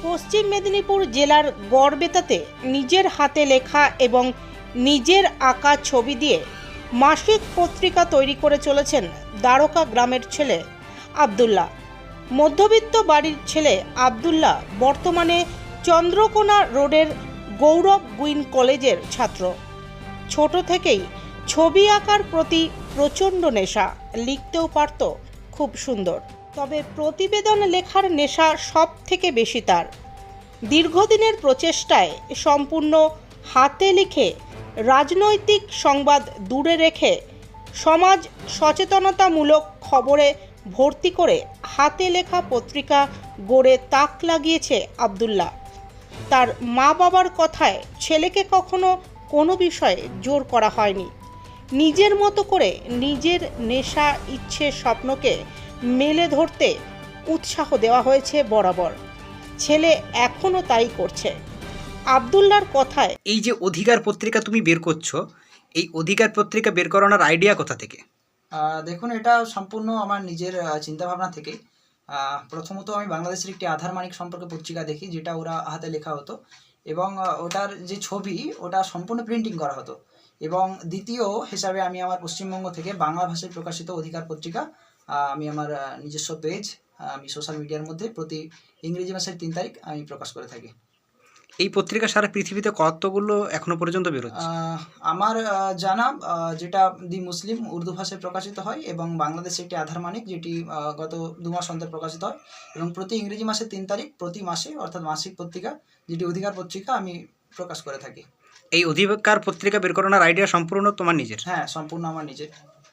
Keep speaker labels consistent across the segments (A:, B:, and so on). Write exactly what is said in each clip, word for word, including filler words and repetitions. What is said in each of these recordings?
A: পশ্চিম মেদিনীপুর জেলার গড়বেতাতে নিজের হাতে লেখা এবং নিজের আঁকা ছবি দিয়ে মাসিক পত্রিকা তৈরি করে চলেছেন দ্বারকা গ্রামের ছেলে আব্দুল্লাহ। মধ্যবিত্ত বাড়ির ছেলে আব্দুল্লাহ বর্তমানে চন্দ্রকোনা রোডের গৌরব গুইন কলেজের ছাত্র। ছোট থেকেই ছবি আঁকার প্রতি প্রচণ্ড নেশা, লিখতেও পারত খুব সুন্দর। তবে প্রতিবেদন লেখার নেশা সব থেকে বেশি তার। দীর্ঘদিনের প্রচেষ্টায় সম্পূর্ণ হাতে লিখে রাজনৈতিক সংবাদ দূরে রেখে সমাজ সচেতনতামূলক খবরে ভর্তি করে হাতে লেখা পত্রিকা গড়ে তাক লাগিয়েছে আব্দুল্লাহ। তার মা বাবার কথায় ছেলেকে কখনো কোনো বিষয়ে জোর করা হয়নি। নিজের মতো করে নিজের নেশা, ইচ্ছে, স্বপ্নকে মেলে ধরতে উৎসাহ দেওয়া হয়েছে বরাবর। ছেলে এখনও তাই করছে। আব্দুল্লাহর কথায়,
B: এই যে অধিকার পত্রিকা তুমি বের করছো, এই অধিকার পত্রিকা বের করানোর আইডিয়া কোথা থেকে?
C: দেখুন, এটা সম্পূর্ণ আমার নিজের চিন্তাভাবনা থেকে। প্রথমত আমি বাংলাদেশের একটি আধার মানিক সম্পর্কে পত্রিকা দেখি, যেটা ওরা হাতে লেখা হতো এবং ওটার যে ছবি ওটা সম্পূর্ণ প্রিন্টিং করা হতো। এবং দ্বিতীয় হিসাবে আমি আমার পশ্চিমবঙ্গ থেকে বাংলা ভাষায় প্রকাশিত অধিকার পত্রিকা আমি আমার নিজস্ব পেজ আমি সোশ্যাল মিডিয়ার মধ্যে প্রতি ইংরেজি মাসের তিন তারিখ আমি প্রকাশ করে থাকি।
B: এই পত্রিকা সারা পৃথিবীতে কতগুলো এখনো পর্যন্ত বেরোচ্ছে?
C: আমার জানা যেটা দি মুসলিম উর্দু ভাষায় প্রকাশিত হয় এবং বাংলাদেশে একটি আধার মানিক যেটি গত দু মাস অন্তর প্রকাশিত হয় এবং প্রতি ইংরেজি মাসের তিন তারিখ প্রতি মাসে অর্থাৎ মাসিক পত্রিকা যেটি অধিকার পত্রিকা আমি প্রকাশ করে থাকি।
B: এই অধিকার পত্রিকা বের করানোর আইডিয়া সম্পূর্ণ তোমার নিজের?
C: হ্যাঁ, সম্পূর্ণ আমার নিজের।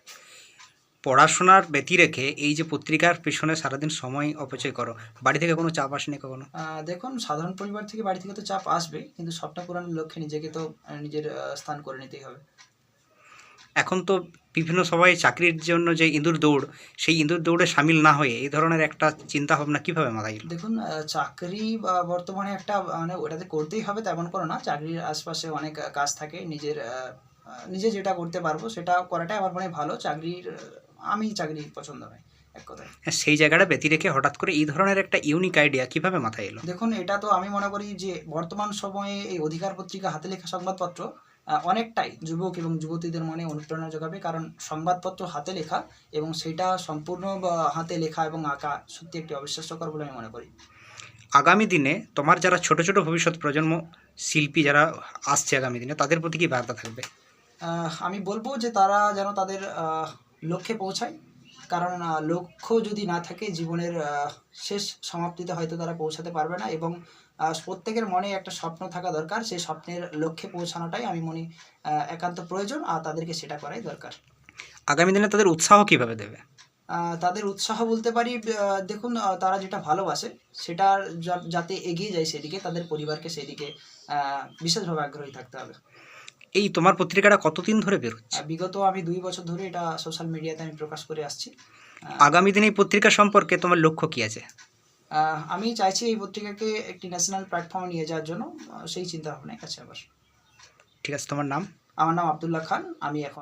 B: পড়াশোনার ব্যতি রেখে এই যে পত্রিকার পেছনে সারাদিন সময় অপচয় করো, বাড়ি থেকে কোনো চাপ আসেনি কখনো?
C: দেখুন, সাধারণ পরিবার থেকে বাড়ি থেকে তো চাপ আসবে, কিন্তু স্বপ্ন পূরণের লক্ষ্যে নিজেকে তো নিজের স্থান করে নিতেই হবে।
B: এখন তো বিভিন্ন সবাই চাকরির জন্য যে ইঁদুর দৌড়, সেই ইঁদুর দৌড়ে সামিল না হয়ে এই ধরনের একটা চিন্তা ভাবনা কীভাবে মাথায় এলো?
C: দেখুন, চাকরি বর্তমানে একটা মানে ওটাতে করতেই হবে তেমন কোনো না। চাকরির আশপাশে অনেক কাজ থাকে, নিজের নিজে যেটা করতে পারবো সেটা করাটাই আমার মনে ভালো। চাকরির আমি চাকরি পছন্দ নয় এক কথায়।
B: সেই জায়গাটা ব্যতি রেখে হঠাৎ করে এই ধরনের একটা ইউনিক আইডিয়া কিভাবে মাথায় এলো?
C: দেখুন, এটা তো আমি মনে করি যে বর্তমান সময়ে এই অধিকার পত্রিকা হাতে লেখা সংবাদপত্র অনেকটাই যুবক এবং যুবতীদের মনে অনুপ্রেরণা যোগাবে, কারণ সংবাদপত্র হাতে লেখা এবং সেটা সম্পূর্ণ হাতে লেখা এবং আঁকা সত্যি একটি অবিশ্বাস্যকর বলে আমি মনে করি।
B: আগামী দিনে তোমার যারা ছোট ছোট ভবিষ্যৎ প্রজন্ম শিল্পী যারা আসছে আগামী দিনে, তাদের প্রতি কী বার্তা থাকবে?
C: আমি বলবো যে তারা যেন তাদের লক্ষ্যে পৌঁছায়, কারণ লক্ষ্য যদি না থাকে জীবনের শেষ সমাপ্তিতে হয়তো তারা পৌঁছাতে পারবে না। এবং প্রত্যেকের মনে একটা স্বপ্ন থাকা দরকার, সেই স্বপ্নের লক্ষ্যে পৌঁছানোটাই আমি মনে একান্ত প্রয়োজন, আর তাদেরকে সেটা করাই দরকার।
B: আগামী দিনে তাদের উৎসাহ কিভাবে দেবে?
C: তাদের উৎসাহ বলতে পারি, দেখুন, তারা যেটা ভালোবাসে সেটার যাতে এগিয়ে যায় সেদিকে, তাদের পরিবারকে সেদিকে বিশেষভাবে আগ্রহী থাকতে হবে।
B: এই তোমার পত্রিকাটা কতদিন ধরে বেরোচ্ছে?
C: বিগত আমি দুই বছর ধরে এটা সোশ্যাল মিডিয়াতে আমি প্রকাশ করে আসছি।
B: আগামী দিনে এই পত্রিকা সম্পর্কে তোমার লক্ষ্য কী আছে?
C: আমি চাইছি এই পত্রিকাকে একটি ন্যাশনাল প্ল্যাটফর্মে নিয়ে যাওয়ার জন্য, সেই চিন্তা ভাবনায় আছে আবার।
B: ঠিক আছে, তোমার নাম?
C: আমার নাম আব্দুল্লাহ খান। আমি এখন